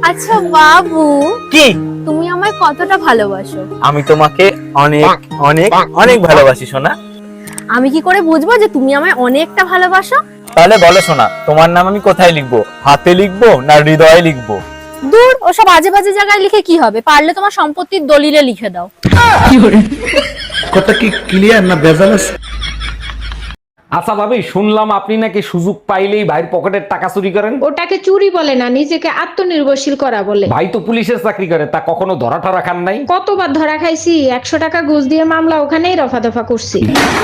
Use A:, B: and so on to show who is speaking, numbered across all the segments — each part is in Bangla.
A: আচ্ছা বাবু,
B: কি?
A: তুমি আমায় কতটা ভালোবাসো?
B: আমি তোমাকে অনেক অনেক অনেক ভালোবাসি সোনা।
A: আমি কি করে বুঝবো যে তুমি আমায় অনেকটা ভালোবাসো?
B: তাহলে বলো সোনা, তোমার নাম আমি কোথায় লিখবো? হাতে লিখবো না হৃদয়ে লিখবো?
A: দূর, ওসব আজে বাজে জায়গায় লিখে কি হবে? পারলে তোমার সম্পত্তির দলিলে লিখে দাও।
C: কথা কি ক্লিয়ার না ভেজাল আছে?
D: আচ্ছা ভাবি, শুনলাম আপনি নাকি সুযোগ পাইলেই ভাইয়ের পকেটের টাকা চুরি করেন।
E: ওটাকে চুরি বলে না, নিজেকে আত্মনির্ভরশীল করা বলে।
D: ভাই তো পুলিশের চাকরি করে, তা কখনো ধরা ঠরা খান নাই?
E: কতবার ধরা খাইছি, 100 টাকা ঘুষ দিয়ে মামলা ওখানেই রফা দফা করছি।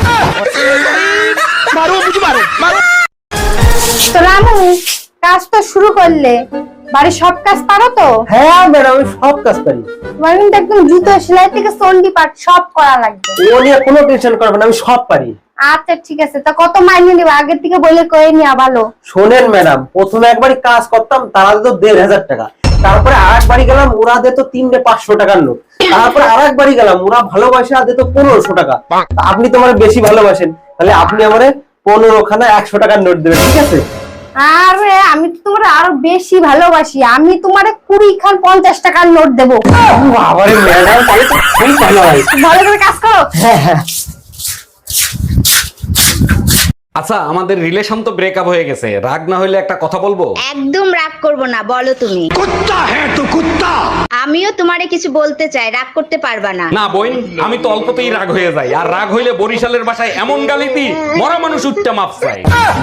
F: তো রামু, কাজ তো শুরু করলে, বাড়ির সব কাজ পারো তো?
G: হ্যাঁ ম্যাডাম, আমি সব কাজ পারি।
F: তোমার কিন্তু একদম জুতো সেলাই থেকে চন্ডি পাট সব করা লাগবে।
G: ও নিয়ে কোনো টেনশন করবেন না, আমি সব পারি।
F: আচ্ছা ঠিক আছে, তা কত মাইনে নিবা? আগের থেকে বলে কয়ে নিয়া ভালো।
G: শোনেন ম্যাডাম, প্রথমে একবারই কাজ করতাম, তারা দিত 1500 টাকা। তারপরে আরেক বাড়ি গেলাম, ওরা দিত 300-500 টাকার নোট। তারপরে আরেক বাড়ি গেলাম, ওরা ভালোবাসা দিত 1500 টাকা। তা আপনি তো আমার বেশি ভালোবাসেন, তাহলে আপনি আমারে 15 খানা 100 টাকার নোট দেবেন, ঠিক আছে?
F: আরে আমি তো তোমার আরো বেশি ভালোবাসি, আমি তোমারে 20 খান 50 টাকার নোট দেবো।
G: বাবারে ম্যাডাম, তাহলে তো খুবই ভালো হয়।
F: ভালো করে কাজ করো।
G: হ্যাঁ।
D: আচ্ছা, আমাদের রিলেশন তো ব্রেকআপ হয়ে গেছে, রাগ না হইলে একটা কথা বলবো?
H: একদম রাগ করব না, বলো তুমি। আমিও তোমারে কিছু বলতে চাই, রাগ করতে পারবা না।
D: না বোন, আমি তো অল্পতেই রাগ হয়ে যাই, আর রাগ হইলে বরিশালের ভাষায় এমন গালি দিই, মরা মানুষ উঠতে মাপ চাই।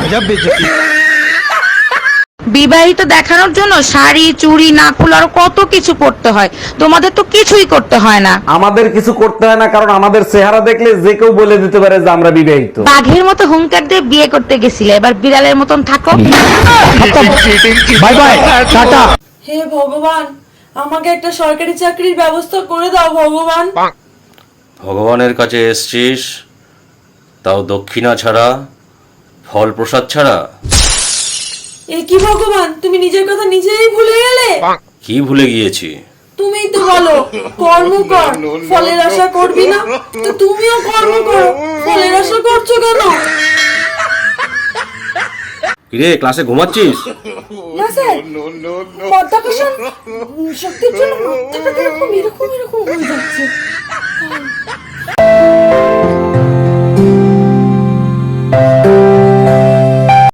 I: বিবাহিত দেখানোর জন্য শাড়ি চুড়ি নাকুল আর কত কিছু করতে হয়, তোমাদের তো কিছুই করতে হয় না।
D: আমাদের কিছু করতে হয় না, কারণ আমাদের চেহারা দেখলে যে কেউ বলে দিতে পারে যে আমরা বিবাহিত।
I: বাঘের মতো হুঙ্কার দিয়ে বিয়ে করতে গেছিলে, এবার বিড়ালের মতন থাকো।
C: Bye bye, tata.
J: হে ভগবান, আমাকে একটা সরকারি চাকরির ব্যবস্থা করে দাও ভগবান।
K: ভগবানের কাছে এসছিস, তাও দক্ষিণা ছাড়া, ফল প্রসাদ ছাড়া?
J: এ কি ভগবান, তুমি নিজের কথা নিজেই ভুলে গেলে?
K: কি ভুলে গিয়েছি?
J: তুমিই তো বলো কর্ম কর, ফলের আশা করবি না। তো তুমিও কর্ম করো, ফলের আশা করছো কেন?
K: কিরে, ক্লাসে ঘুমাচ্ছিস?
J: না স্যার, মাধ্যাকর্ষণ শক্তির জন্য মাথাটা এরকম এরকম এরকম হয়ে যাচ্ছে।